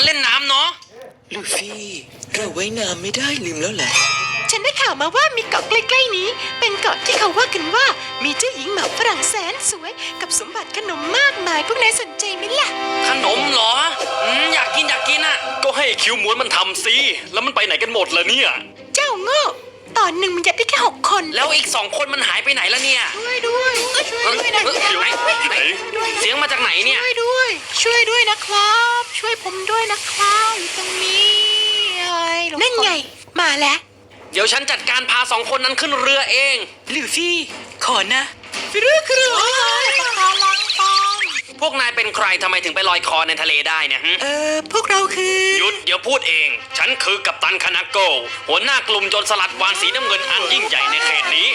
เล่นน้ำเนาะลูฟี่เราไว้น้ำไม่ได้ลืมแล้วแหละฉันได้ข่าวมาว่ามีเกาะใกล้ๆนี้เป็นเกาะที่เขาว่ากันว่ามีเจ้าหญิงหมาฝรั่งแสนสวยกับสมบัติขนมมากมายพวกนายสนใจไหมล่ะขนมเหรออยากกินอ่ะก็ให้คิวม้วนมันทำสิแล้วมันไปไหนกันหมดล่ะเนี่ยเจ้าโง่ตอนหนึ่งมันยัดได้แค่6 คนแล้วอีก2 คนมันหายไปไหนแล้วเนี่ยช่วยด้วยนะไหนเสียงมาจากไหนเนี่ยช่วยด้วยนะครับช่วยผมด้วยนะครับอยู่ตรงนี้นั่นไงมาแล้วเดี๋ยวฉันจัดการพา2 คนนั้นขึ้นเรือเองลูฟี่ขอนะฟิรุครูพวกนายเป็นใครทำไมถึงไปลอยคอในทะเลได้เนี่ยพวกเราคือหยุดเดี๋ยวพูดเองฉันคือกัปตันคานาโกหัวหน้ากลุ่มโจรสลัดวานสีน้ำเงินอันยิ่งใหญ่ในเขตนี้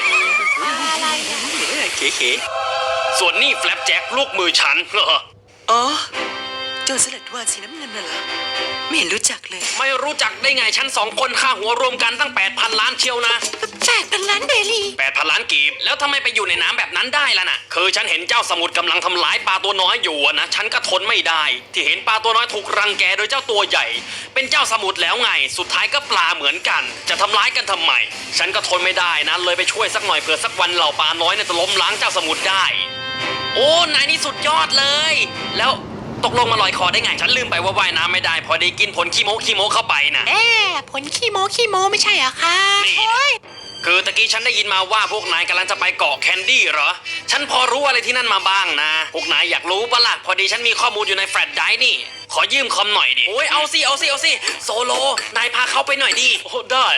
เก๋ๆส่วนนี่แฟลปแจ็คลูกมือฉันอ๋อโจรสลัดวานสีน้ำเงินน่ะเหรอไม่เห็นรู้จักเลยไม่รู้จักได้ไงฉัน2 คนค่าหัวรวมกันตั้ง 8,000 ล้านเชียวนะ 8,000 ล้านเบลี 8,000 ล้านกีบแล้วทำไมไปอยู่ในน้ำแบบนั้นได้ล่ะน่ะคือฉันเห็นเจ้าสมุทรกำลังทำร้ายปลาตัวน้อยอยู่นะฉันก็ทนไม่ได้ที่เห็นปลาตัวน้อยถูกรังแกโดยเจ้าตัวใหญ่เป็นเจ้าสมุทรแล้วไงสุดท้ายก็ปลาเหมือนกันจะทำร้ายกันทำไมฉันก็ทนไม่ได้นะเลยไปช่วยสักหน่อยเผื่อสักวันเหล่าปลาน้อยจะล้มล้างเจ้าสมุทรได้โอ้นายนี่สุดยอดเลยแล้วตกลงมาลอยคอได้ไงฉันลืมไปว่าว่ายน้ำไม่ได้พอได้กินผลขี้โมเข้าไปนะผลขี้โมไม่ใช่เหรอคะคือตะกี้ฉันได้ยินมาว่าพวกนายกำลังจะไปเกาะแคนดี้เหรอฉันพอรู้อะไรที่นั่นมาบ้างนะพวกนายอยากรู้ปะล่ะพอดีฉันมีข้อมูลอยู่ในแฟลชไดรฟ์นี่ขอยืมคอมหน่อยดิโอ้ยเอาสิโซโลนายพาเขาไปหน่อยดิโอ้ได้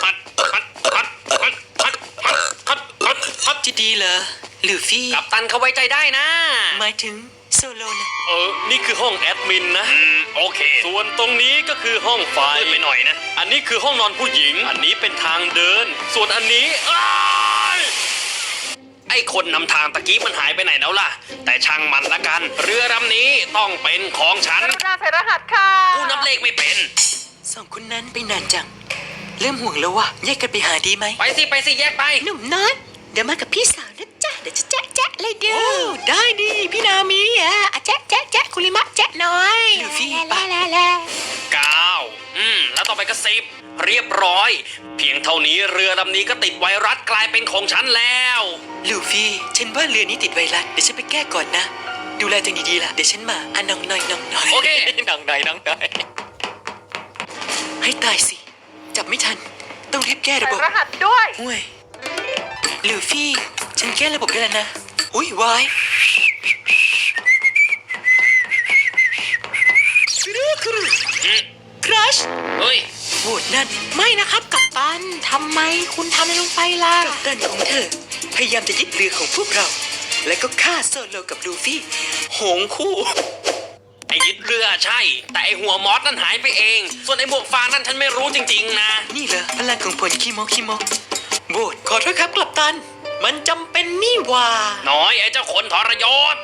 จะดีเหรอลูฟี่กัปตันเขาไว้ใจได้นะหมายถึงโซโลนะนี่คือห้องแอดมินนะโอเคส่วนตรงนี้ก็คือห้องไฟไปหน่อยนะอันนี้คือห้องนอนผู้หญิงอันนี้เป็นทางเดินส่วนอันนี้ไอ้คนนำทางตะกี้มันหายไปไหนแล้วล่ะแต่ช่างมันละกันเรือลำนี้ต้องเป็นของฉันใส่รหัสค่ะผู้นับเลขไม่เป็น 2 คนนั้นไปนานจังเริ่มห่วงแล้ววะแยกกันไปหาดีไหมไปสิแยกไปหนุ่มน้อยเดี๋ยวมากับพี่สาวนะจ๊ะเดี๋ยวจะแจ๊ะเลยเด้อได้ดิพี่นามีแจ๊ะคุริมะแจ๊ะน้อยลูฟี่ไป 9แล้วต่อไปก็10เรียบร้อยเพียงเท่านี้เรือลำนี้ก็ติดไวรัสกลายเป็นของฉันแล้วลูฟี่ฉันว่าเรือนี้ติดไวรัสเดี๋ยวฉันไปแก้ก่อนนะดูแลตัวเองดีๆล่ะเดี๋ยวฉันมาน้องหน่อยโอเคน้องหน่อยให้ตายสิจับไม่ทันต้องรีบแก้ระบบรหัสด้วยห่วยลูฟี่ฉันแก้ระบบได้แล้วนะอุ้ยวายครัชเฮ้ยโหดนั่นไม่นะครับกัปตันทำไมคุณทำอะไรลงไปล่ะกัปตันของเธอพยายามจะยึดเรือของพวกเราและก็ฆ่าโซโลกับลูฟี่โหงคู่ไอ้ยึดเรือใช่แต่ไอ้หัวมอสนั่นหายไปเองส่วนไอ้บวกฟางนั่นฉันไม่รู้จริงๆนะนี่เหรอพลังของผลขี้โมโบดขอโทษครับกัปตันมันจำเป็นนี่ว่าน้อยไอ้เจ้าคนทรยศ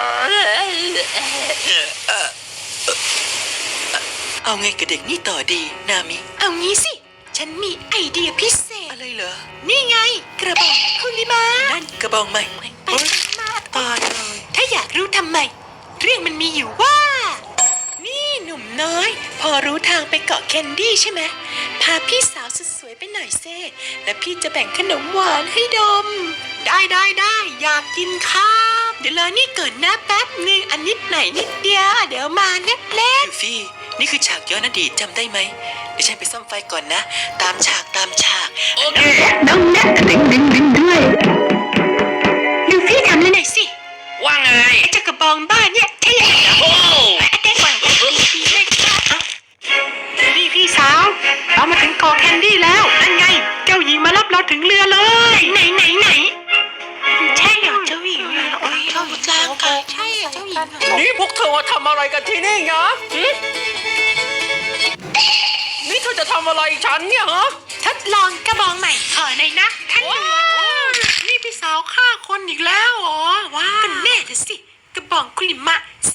เอาไงกับเด็กนี่ต่อดีนามิเอางี้สิฉันมีไอเดียพิเศษอะไรเหรอนี่ไงกระบอกคุริมะนั่นกระบองใหม่ตายเลยถ้าอยากรู้ทำไมเรื่องมันมีอยู่ว่านี่หนุ่มน้อยพอรู้ทางไปเกาะแคนดี้ใช่ไหมพาพี่สาวสุดสวยไปหน่อยเซ่และพี่จะแบ่งขนมหวานให้ดมได้อยากกินครับเดี๋ยวรอนี่เกิดนะแป๊บนึงอันนิดไหนนิดเดียวเดี๋ยวมาเล็กลูฟี่นี่คือฉากย้อนอดีตจำได้ไหมเดี๋ยวฉันไปซ่อมไฟก่อนนะตามฉากโอเคน้องนัทดึงด้วยลูฟี่ทำเลยหน่อยสิว่าไงไอ้เจ้ากระบองบ้านเนี่ยเท่โอ้นี่พี่สาวเรามาถึงเกาะแคนดี้แล้วนั่นไงเจ้าหญิงมารับเราถึงเรือเลยไหนใช่เหรอเจ้าหญิงโอ้ยเราจ้างกันใช่เจ้าหญิงนี่พวกเธอมาทำอะไรกันที่นี่เหรอนี่เธอจะทำอะไรฉันเนี่ยฮะทดลองกระบองใหม่ขอหน่อยนะท่านหลวงนี่พี่สาวฆ่าคนอีกแล้วอ๋อว้าก็แน่สิกระบองคุริมะ